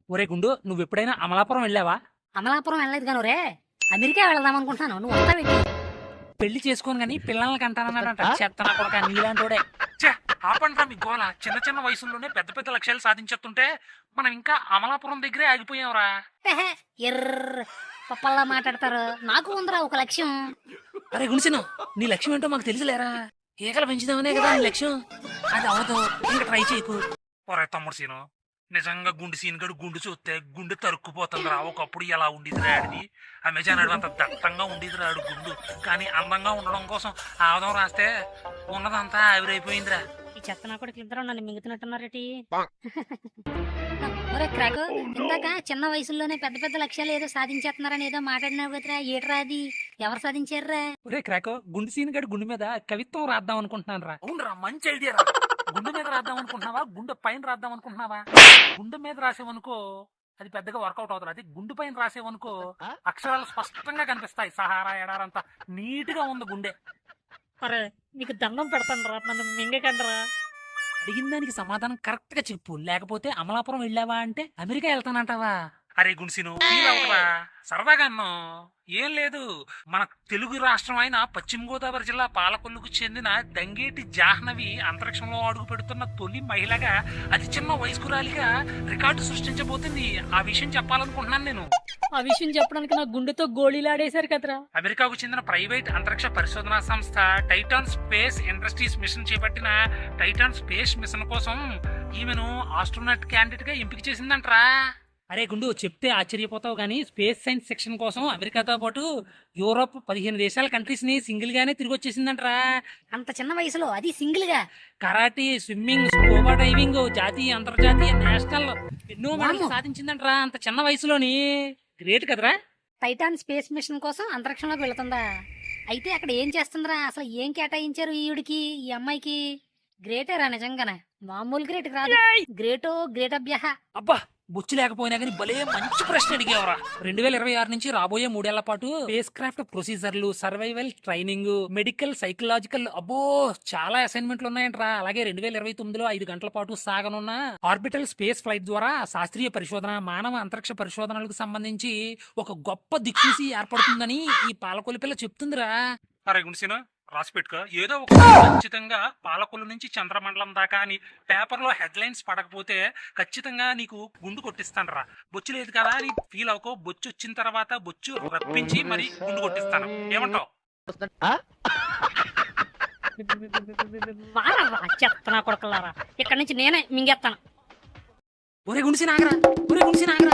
ఒరే గుండు, నువ్వు ఎప్పుడైనా అమలాపురం వెళ్ళావా? అమలాపురం వెళ్ళలేదు కానీ రే అమెరికా వెళదాం అనుకుంటున్నాను. నువ్వు వస్తావేంటి? పెళ్లి చేసుకోను గానీ పిల్లల్ని కంటానన్నాడంట. చెత్తనా కొడక నీలాంటోడే. ఆపండ్రా మీ గోల. చిన్న చిన్న వయసుల్లోనే పెద్ద పెద్ద లక్ష్యాలు సాధించేస్తుంటే మనం ఇంకా అమలాపురం దగ్గరే ఆగిపోయాంరా. ఎహె, ఎర్ర పప్పల్లా మాట్లాడతారు. నాకు ఉందిరా ఒక లక్ష్యం. అరే గుణిసిను, నీ లక్ష్యం ఏంటో మాకు తెలుసులేరా. ఏకలు పెంచుదామనే కదా నీ లక్ష్యం. అది అవదు, ఇంకా ట్రై చేయకు. ఒరే తమ్ముడు సీను, నిజంగా గుండు సీన్ గడు గుండు చూస్తే గుండె తరుక్కుపోతుందిరా. ఒకప్పుడు ఎలా ఉండేదిరా ఆడిది. అమెజాన్ అడవి అంత దట్టంగా ఉండేదిరా ఆడు గుండు. కానీ అందంగా ఉండడం కోసం ఆవదం రాస్తే ఉన్నదంతా ఆవిరైపోయిందిరా. ఈ చెత్త నా కూడా ఇద్దరు నన్ను మింగుతున్నట్టున్నారేటి. ఒరే క్రాకు, ఇందాక చిన్న వయసులోనే పెద్ద పెద్ద లక్ష్యాలు ఏదో సాధించేస్తున్నారని ఏదో మాట్లాడినావు కదరా. ఏట్రా అది? ఎవరు సాధించారా? ఒరే క్రాకో, గుండు సీన్ గడు గుండె మీద కవిత్వం రాద్దాం అనుకుంటున్నాను రా. అవునరా, మంచి ఐడియా రా. గుండె మీద రాద్దాం అనుకుంటున్నావా, గుండె పైన రాద్దాం అనుకుంటున్నావా? గుండె మీద రాసేవనుకో అది పెద్దగా వర్కౌట్ అవుతుంది. అది గుండె పైన రాసేవనుకో అక్షరాలు స్పష్టంగా కనిపిస్తాయి. సహారా ఎడారంతా నీట్ గా ఉంది గుండె. అరే నీకు దండం పెడతాను రా, నన్ను మింగకండ్రా. అడిగిన దానికి సమాధానం కరెక్ట్ గా చెప్పు, లేకపోతే అమలాపురం వెళ్ళావా అంటే అమెరికా వెళ్తానంటావా? అరే గుణిసిను, సరదాగా అన్నో ఏం లేదు. మన తెలుగు రాష్ట్రం అయిన పశ్చిమ గోదావరి జిల్లా పాలకొల్లుకు చెందిన దంగేటి జాహ్నవి అంతరిక్షంలో అడుగు పెడుతున్న తొలి మహిళగా అతి చిన్న వయస్కురాలిగా రికార్డు సృష్టించబోతుంది. ఆ విషయం చెప్పాలనుకుంటున్నాను నేను. ఆ విషయం చెప్పడానికి నా గుండెతో గోళీలాడేశారు కదరా. అమెరికాకు చెందిన ప్రైవేట్ అంతరిక్ష పరిశోధనా సంస్థ టైటాన్ స్పేస్ ఇండస్ట్రీస్ మిషన్ చేపట్టిన టైటాన్ స్పేస్ మిషన్ కోసం ఈమెను ఆస్ట్రోనట్ క్యాండిడేట్ గా ఎంపిక చేసిందంట్రా. అరే గుండు, చెప్తే ఆశ్చర్యపోతావు కానీ స్పేస్ సైన్స్ సెక్షన్ కోసం అమెరికాతో పాటు యూరోప్ 15 దేశాల కంట్రీస్ ని సింగిల్ గానే తిరిగి వచ్చేసిందంట్రా. అంత చిన్న వయసులో, అది సింగిల్ గా. కరాటే, స్విమ్మింగ్, స్కూబా డైవింగ్, జాతీయ అంతర్జాతీయ నేషనల్ ఎన్నో మెడల్స్ సాధించిందంట్రా అంత చిన్న వయసులోని. గ్రేట్ కదరా. టైటాన్ స్పేస్ మిషన్ కోసం అంతరిక్షంలోకి వెళుతుందా? అయితే అక్కడ ఏం చేస్తుందిరా? అసలు ఏం కేటాయించారు ఈవిడికి, ఈ అమ్మాయికి? గ్రేటేరా నిజంగానే, మామూలు గ్రేట్ కాదు. గ్రేటో గ్రేట్ అభ్యహ. అబ్బా, బొచ్చు లేకపోయినా కానీ భలే మంచి ప్రశ్న అడిగేవరా. 2026 నుంచి రాబోయే 3 ఏళ్ల పాటు స్పేస్ క్రాఫ్ట్ ప్రొసీజర్లు, సర్వైవల్ ట్రైనింగ్, మెడికల్, సైకలాజికల్, అబ్బో చాలా అసైన్మెంట్లు ఉన్నాయంట్రా. అలాగే 2029లో 5 గంటల పాటు సాగనున్న ఆర్బిటల్ స్పేస్ ఫ్లైట్ ద్వారా శాస్త్రీయ పరిశోధన, మానవ అంతరిక్ష పరిశోధనలకు సంబంధించి ఒక గొప్ప దిక్సూచి ఏర్పడుతుందని ఈ పాలకొల్లు పిల్ల చెప్తుందిరా. అరే గుణిసిన, రాసి పెట్టుకో. ఏదో ఒక ఖచ్చితంగా పాలకొల్లు నుంచి చంద్రమండలం దాకా అని పేపర్లో హెడ్లైన్స్ పడకపోతే ఖచ్చితంగా నీకు గుండు కొట్టిస్తాను రా. బొచ్చు లేదు కదా అని ఫీల్ అవ్వకో. బొచ్చు వచ్చిన తర్వాత బొచ్చు రప్పించి మరి గుండు కొట్టిస్తాను. ఏమంటావు? చెత్తనా కొడకలారా, ఇక్కడ నుంచి నేనే మింగేస్తాను. ఒరే గుణిసి నాగరా, ఒరే గుణిసి నాగరా.